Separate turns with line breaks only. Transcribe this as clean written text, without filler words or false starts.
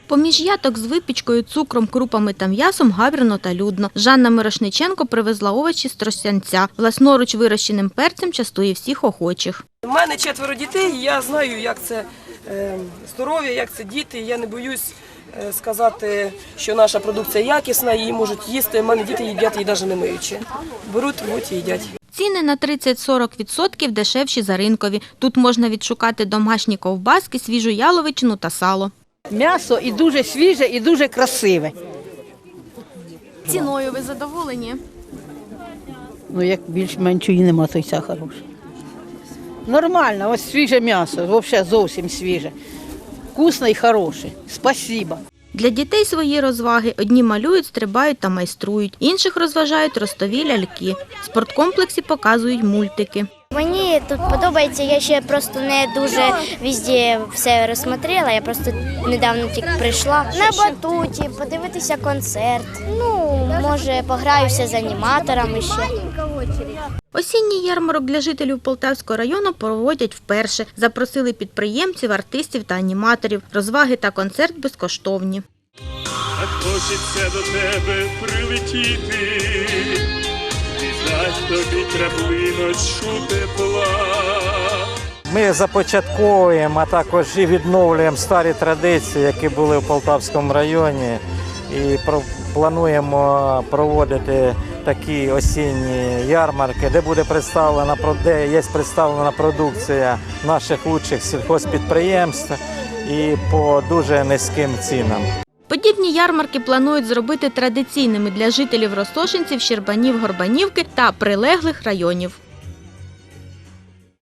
Поміж яток з випічкою, цукром, крупами та м'ясом гавірно та людно. Жанна Мирошниченко привезла овочі з Тростянця. Власноруч вирощеним перцем частує всіх охочих.
У мене 4 дітей, і я знаю, як це здоров'я, як це діти. Я не боюсь сказати, що наша продукція якісна, її можуть їсти. У мене діти їдять її навіть не миючи. Беруть, рвуть і їдять.
Ціни на 30-40% дешевші за ринкові. Тут можна відшукати домашні ковбаски, свіжу яловичину та сало.
М'ясо і дуже свіже, і дуже красиве.
Ціною ви задоволені?
Ну, як більш-менш її нема, то й ця хороша. Нормально, ось свіже м'ясо, взагалі зовсім свіже. Вкусне і хороше. Спасибо.
Для дітей свої розваги. Одні малюють, стрибають та майструють. Інших розважають ростові ляльки. В спорткомплексі показують мультики.
Мені тут подобається, я ще просто не дуже везде все розсмотрела, я просто недавно тільки прийшла. На батуті, подивитися концерт, може пограюся з аніматорами ще.
Осінній ярмарок для жителів Полтавського району проводять вперше. Запросили підприємців, артистів та аніматорів. Розваги та концерт безкоштовні.
Так хочеться до тебе прилетіти, дать тобі краплиночку тепла.
Ми започатковуємо, а також і відновлюємо старі традиції, які були в Полтавському районі. І плануємо проводити такі осінні ярмарки, де є представлена продукція наших лучших сільхозпідприємств і по дуже низьким цінам.
Подібні ярмарки планують зробити традиційними для жителів Ростошинців, Щербанів, Горбанівки та прилеглих районів.